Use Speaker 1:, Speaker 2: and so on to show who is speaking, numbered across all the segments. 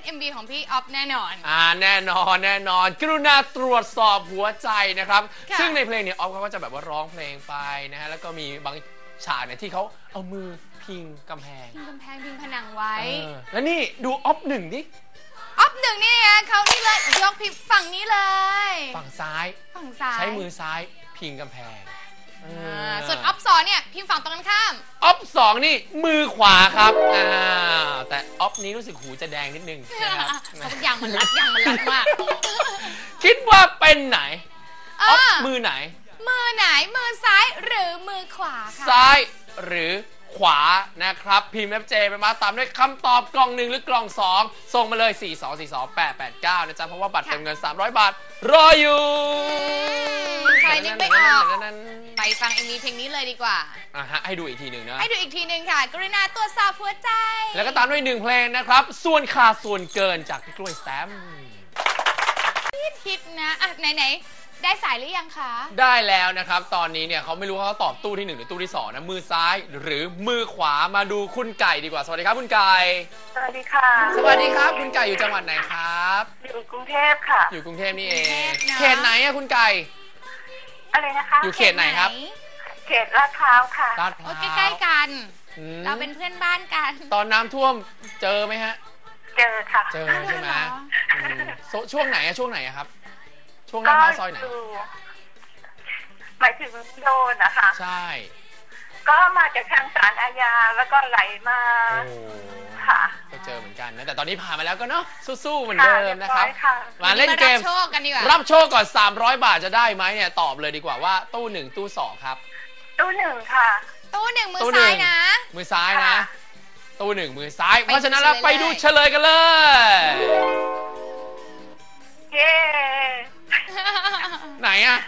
Speaker 1: MV ของพี่ออฟแน่นอน
Speaker 2: แน่นอนกรุณาตรวจสอบหัวใจนะครับซึ่งในเพลงเนี่ยออฟเขาก็จะแบบว่าร้องเพลงไปนะฮะแล้วก็มีบางฉากเนี่ยที่เขาเอามือพิงกำแพง
Speaker 1: พิงผนังไว้
Speaker 2: แล้วนี่ดูออฟหนึ่งดิ
Speaker 1: ออฟหนึ่งนี่นะเขานี่เลยยกพิมฝั่งนี้เลย
Speaker 2: ฝั่งซ้ายใช้มือซ้ายพิงกำแพง
Speaker 1: ส่วนออฟสองเนี่ยพิมฝั่งตรงกันข้าม
Speaker 2: ออฟสองนี่มือขวาครับแต่ออฟนี้รู้สึกหูจะแดงนิดนึงนะครับ
Speaker 1: อย่างมันรัดมาก
Speaker 2: คิดว่าเป็นไหนออฟมือไหน
Speaker 1: มือซ้ายหรือมือขวาคะ
Speaker 2: ซ้ายหรือขวานะครับพิมพ์ FJ ไปมาตามด้วยคำตอบกล่อง1หรือกล่อง2ส่งมาเลย4242889นะจ๊ะเพราะว่าบัตรเติมเงิน300 บาทรออยู่
Speaker 1: ใครนึกไม่ออกไปฟังMVเพลงนี้เลยดีกว่า
Speaker 2: ให้ดูอีกทีหนึ่งนะ
Speaker 1: ให้ดูอีกทีหนึ่งค่ะกรุณาตรวจสอบหัวใจ
Speaker 2: แล้วก็ตามด้วย1เพลงนะครับส่วนขาดส่วนเกินจากพี่กล้วยแซม
Speaker 1: ฮิตนะไหนได้สายหรือยังคะ
Speaker 2: ได้แล้วนะครับตอนนี้เนี่ยเขาไม่รู้เขาตอบตู้ที่1หรือตู้ที่2นะมือซ้ายหรือมือขวามาดูคุณไก่ดีกว่าสวัสดีครับคุณไก่
Speaker 3: สวัสดีค่ะ
Speaker 2: สวัสดีครับคุณไก่อยู่จังหวัดไหนครับ
Speaker 3: อยู่กรุงเทพค่ะ
Speaker 2: อยู่กรุงเทพนี่เองเขตไหนอะคุณไก่
Speaker 3: อะไรนะคะ
Speaker 2: อยู่เขตไหนครับ
Speaker 3: เขตลาดพร้าวค่ะ
Speaker 2: ลาดพร้าว
Speaker 1: ใกล้ๆกันเราเป็นเพื่อนบ้านกัน
Speaker 2: ตอนน้ำท่วมเจอไหมฮะ
Speaker 3: เจอค่ะ
Speaker 2: เจอใช่ไหมช่วงไหนอะครับช่วงลาดพร้าวซอยไหน
Speaker 3: หมายถึงโดนนะคะ
Speaker 2: ใช่
Speaker 3: ก็มาจากทางศาลอาญาแล้วก็ไหลมาค่ะ
Speaker 2: ก็เจอเหมือนกันนะแต่ตอนนี้ผ่านมาแล้วก็เนาะสู้ๆเหมือนเดิมนะครับมาเล่นเกมรับโชคก่อน300 บาทจะได้ไหมเนี่ยตอบเลยดีกว่าว่าตู้1ตู้2ครับ
Speaker 3: ตู้1ค่ะ
Speaker 1: ตู้1มือซ้ายนะ
Speaker 2: มือซ้ายนะตู้1มือซ้ายเพราะฉะนั้นเราไปดูเฉลยกันเลย
Speaker 3: เย้
Speaker 2: ไหนอะ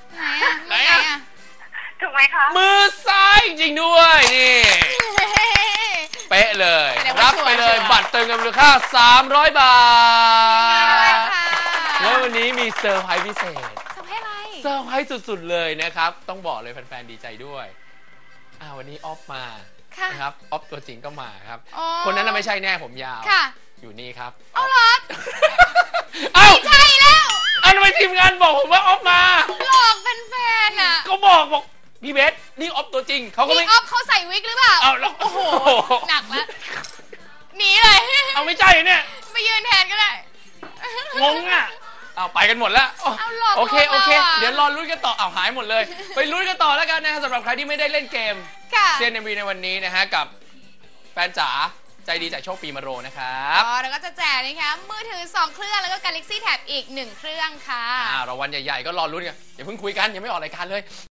Speaker 3: ถูกไหมคะ
Speaker 2: มือซ้ายจริงด้วยนี่เป๊ะเลยรับไปเลยบัตรเติมเงินมูลค่า300 บาทแล้ววันนี้มีเซอร์ไพรส์พิเศษเซอร์ไพรส์สุดๆเลยนะครับต้องบอกเลยแฟนๆดีใจด้วยวันนี้ออฟมานะครับออฟตัวจริงก็มาครับคนนั้นไม่ใช่แน่ผมยาวอยู่นี่ครับ
Speaker 1: เอาหรอ
Speaker 2: ไม่
Speaker 1: ใช่แล้ว
Speaker 2: ทำไมทีมงานบอกผมว่าออฟมา
Speaker 1: หลอกแฟนๆ
Speaker 2: ก็บอกพี่เบสนี่ออฟตัวจริงเขาก็ไม่
Speaker 1: ออฟเขาใส่วิกหรือเปล่า
Speaker 2: แล้ว
Speaker 1: โอ้โหหนักแล้วหนีเลย
Speaker 2: ไม่ใช่เนี่ย
Speaker 1: ไปยืนแทนก็ได้
Speaker 2: งงไปกันหมดแล้วโอเคเดี๋ยวรอลุ้นกันต่อหายหมดเลยไปลุ้นกันต่อแล้วกันนะสำหรับใครที่ไม่ได้เล่นเกมเซียนMVในวันนี้นะฮะกับแฟนจ๋าใจดีจากโชคปีมะโรงนะครับ
Speaker 1: แล้วก็จะแจกนะคะมือถือ2เครื่องแล้วก็ Galaxy Tab อีก1เครื่องค่ะ
Speaker 2: รางวัลใหญ่ๆก็รอลุ้นกันอย่าเพิ่งคุยกันยังไม่ออกรายการเลย